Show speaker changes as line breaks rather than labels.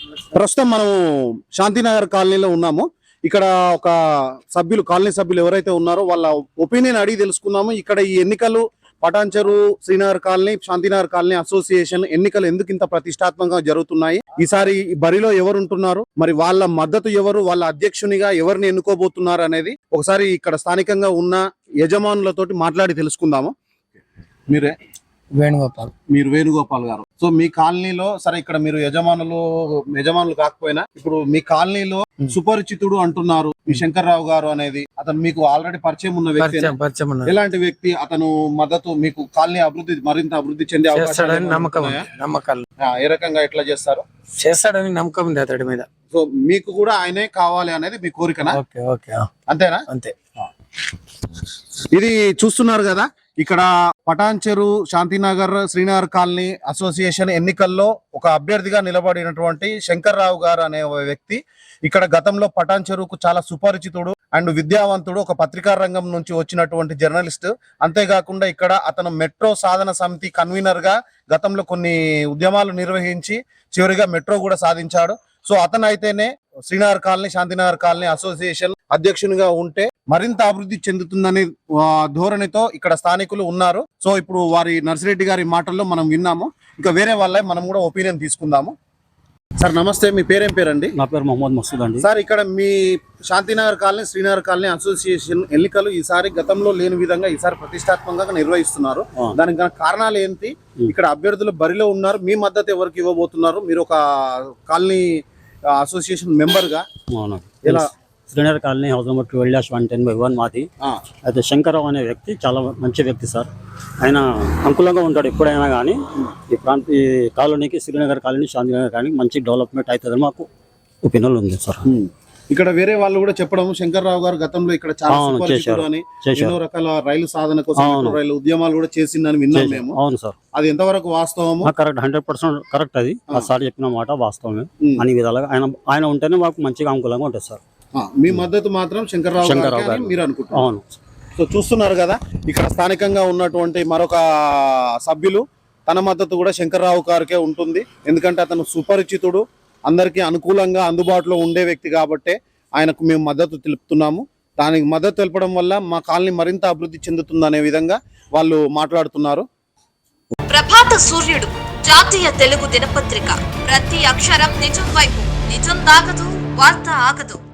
ప్రస్తుతం మనం శాంతినగర్ కాలనీలో ఉన్నాము. ఇక్కడ ఒక సభ్యులు, కాలనీ సభ్యులు ఎవరైతే ఉన్నారో వాళ్ళ ఒపీనియన్ అడిగి తెలుసుకుందాము. ఇక్కడ ఈ ఎన్నికలు Patancheru Srinagar colony, Shantinagar colony association ఎన్నికలు ఎందుకు ఇంత ప్రతిష్టాత్మకంగా జరుగుతున్నాయి, ఈసారి బరిలో ఎవరు ఉంటున్నారు, మరి వాళ్ళ మద్దతు ఎవరు, వాళ్ళ అధ్యక్షునిగా ఎవరిని ఎన్నుకోబోతున్నారు అనేది ఒకసారి ఇక్కడ స్థానికంగా ఉన్న యజమానులతోటి మాట్లాడి తెలుసుకుందాము. మీరే
వేణుగోపాల్.
మీరు వేణుగోపాల్ గారు. సో మీ కాలనీలో సరే, ఇక్కడ మీరు యజమానులు కాకపోయినా ఇప్పుడు మీ కాలనీలో సుపరిచితుడు అంటున్నారు ఈ శంకర్రావు గారు అనేది, అతను మీకు ఆల్రెడీ పరిచయం ఉన్న వ్యక్తి. ఎలాంటి వ్యక్తి? అతను మద్దతు మీకు కాలనీ మరింత అభివృద్ధి చెందే
నమ్మకాలు
ఏ రకంగా ఎట్లా
చేస్తాడని నమ్మకం ఉంది అతడి మీద.
సో మీకు కూడా ఆయనే కావాలి అనేది మీ కోరికనా? అంతేనా?
అంతే.
ఇది చూస్తున్నారు కదా, ఇక్కడ పటాన్చెరు శాంతినగర్ శ్రీనగర్ కాలనీ అసోసియేషన్ ఎన్నికల్లో ఒక అభ్యర్థిగా నిలబడినటువంటి శంకర్రావు గారు అనే వ్యక్తి ఇక్కడ గతంలో పటాన్చెరుకు చాలా సుపరిచితుడు అండ్ విద్యావంతుడు, ఒక పత్రికా రంగం నుంచి వచ్చినటువంటి జర్నలిస్ట్. అంతేకాకుండా ఇక్కడ అతను మెట్రో సాధన సమితి కన్వీనర్ గా గతంలో కొన్ని ఉద్యమాలు నిర్వహించి చివరిగా మెట్రో కూడా సాధించాడు. సో అతను అయితేనే Srinagar colony, Shantinagar colony association అధ్యక్షునిగా ఉంటే మరింత అభివృద్ధి చెందుతుందనే ధోరణితో ఇక్కడ స్థానికులు ఉన్నారు. సో ఇప్పుడు వారి నర్సిరెడ్డి గారి మాటల్లో మనం విన్నాము. ఇంకా వేరే వాళ్ళ మనం కూడా ఒపీనియన్ తీసుకుందాము. సార్ నమస్తే, మీ పేరేం పేరండి?
నా పేరు మొహమ్మద్ మసూద్ అండి.
సార్, ఇక్కడ మీ Shantinagar colony, Srinagar colony association ఎన్నికలు ఈసారి గతంలో లేని విధంగా ఈసారి ప్రతిష్టాత్మకంగా నిర్వహిస్తున్నారు. దానికి కారణాలు ఏంటి? ఇక్కడ అభ్యర్థులు బరిలో ఉన్నారు, మీ మద్దతు ఎవరికి ఇవ్వబోతున్నారు? మీరు ఒక కాలనీ అసోసియేషన్ మెంబర్ గా ఎలా?
శ్రీనగర్ కాలనీ హౌస్ నెంబర్ 12-110/1 మాది. అయితే శంకర్రావు అనే వ్యక్తి చాలా మంచి వ్యక్తి సార్. ఆయన అనుకూలంగా ఉంటాడు ఎప్పుడైనా కానీ. ఈ కాలనీకి, శ్రీనగర్ కాలనీ, శాంతినగర్ కాలనీ మంచి డెవలప్మెంట్ అవుతుందని మాకు ఒపీనియన్ ఉంది సార్.
ఇక్కడ వేరే వాళ్ళు కూడా చెప్పడం, శంకర్రావు గారు గతంలో ఇక్కడ చాలా ఎన్నో రకాల రైలు సాధన కోసం రైలు ఉద్యమాలు కూడా చేసిందని విన్నాం మేము.
అవును సార్.
అది ఎంతవరకు వాస్తవము?
Correct, 100% correct. అది సార్ చెప్పిన మాట వాస్తవమే. అన్ని విధాలుగా ఆయన ఉంటేనే మాకు మంచిగా అనుకూలంగా ఉంటుంది సార్.
మీ మద్దతు మాత్రం శంకర్రావు గారు మీరు అనుకుంటున్నారు?
అవును.
సో చూస్తున్నారు కదా, ఇక్కడ స్థానికంగా ఉన్నటువంటి మరొక సభ్యులు తన మద్దతు కూడా శంకర్రావు గారికే ఉంటుంది. ఎందుకంటే అతను సుపరిచితుడు, అందరికీ అనుకూలంగా అందుబాటులో ఉండే వ్యక్తి కాబట్టి ఆయనకు మేము మద్దతు తెలుపుతున్నాము. దానికి మద్దతు తెలపడం వల్ల మా కాలనీ మరింత అభివృద్ధి చెందుతుందనే విధంగా వాళ్ళు మాట్లాడుతున్నారు.
ప్రభాత సూర్యుడు జాతీయ తెలుగు దినపత్రిక. ప్రతి అక్షరం నిజం వైపు. నిజం దాగదు, వార్త ఆగదు.